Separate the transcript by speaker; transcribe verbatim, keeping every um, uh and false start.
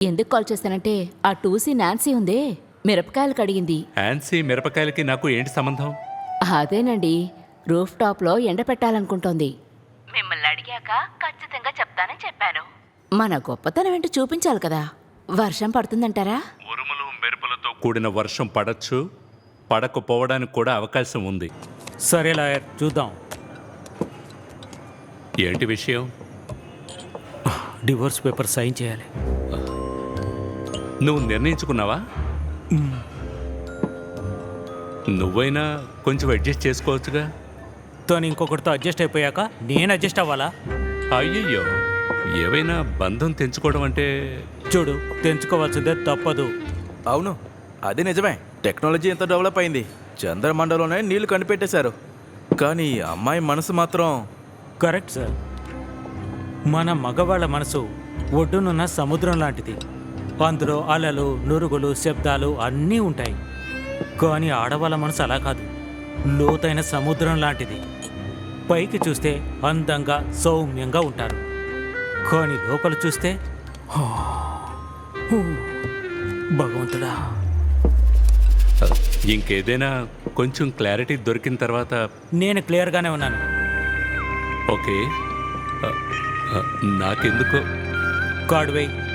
Speaker 1: ఎందుకు కాల్ చేశానంటే ఆ టూసీ నాన్సీ ఉందే మిరపకాయలు కడిగింది.
Speaker 2: యాన్సీ మిరపకాయలకి నాకు ఏంటి సంబంధం?
Speaker 1: అదేనండి, రూఫ్ టాప్లో ఎండ పెట్టాలనుకుంటోంది. మిమ్మల్ని అడిగాక ఖచ్చితంగా చెప్తానని చెప్పాను. మన గొప్పతనం ఏంటో చూపించాలి కదా. వర్షం పడుతుందంటారా?
Speaker 2: ఉరుములు మెరుపులతో కూడిన వర్షం పడచ్చు, పడకపోవడానికి కూడా అవకాశం ఉంది.
Speaker 3: సరే లాయర్, చూద్దాం.
Speaker 2: ఏంటి విషయం?
Speaker 3: డివోర్స్ పేపర్ సైన్ చేయాలి.
Speaker 2: నువ్వు నిర్ణయించుకున్నావా? నువ్వైనా కొంచెం అడ్జస్ట్ చేసుకోవచ్చుగా.
Speaker 3: తను ఇంకొకరితో అడ్జస్ట్ అయిపోయాక నేను అడ్జస్ట్ అవ్వాలా?
Speaker 2: అయ్యయ్యో, ఏవైనా బంధం తెంచుకోవడం అంటే
Speaker 3: చూడు, తెంచుకోవాల్సిందే, తప్పదు.
Speaker 4: అవును, అది నిజమే. టెక్నాలజీ ఎంత డెవలప్ అయింది, చంద్రమండలంలోనే నీళ్లు కనిపెట్టేశారు. కానీ అమ్మాయి మనసు మాత్రం...
Speaker 3: కరెక్ట్ సార్. మన మగవాళ్ళ మనసు ఒడ్డునున్న సముద్రం లాంటిది. అందులో అలలు, నురుగులు, శబ్దాలు అన్నీ ఉంటాయి. కానీ ఆడవాళ్ళ మనసు అలా కాదు, లోతైన సముద్రం లాంటిది. పైకి చూస్తే అందంగా సౌమ్యంగా ఉంటారు, కానీ లోపల చూస్తే భగవంతుడా.
Speaker 2: ఇంకేదైనా కొంచెం క్లారిటీ దొరికిన తర్వాత...
Speaker 3: నేను క్లియర్గానే ఉన్నాను.
Speaker 2: ఓకే, నాకెందుకో
Speaker 3: కార్డ్ వేయ్.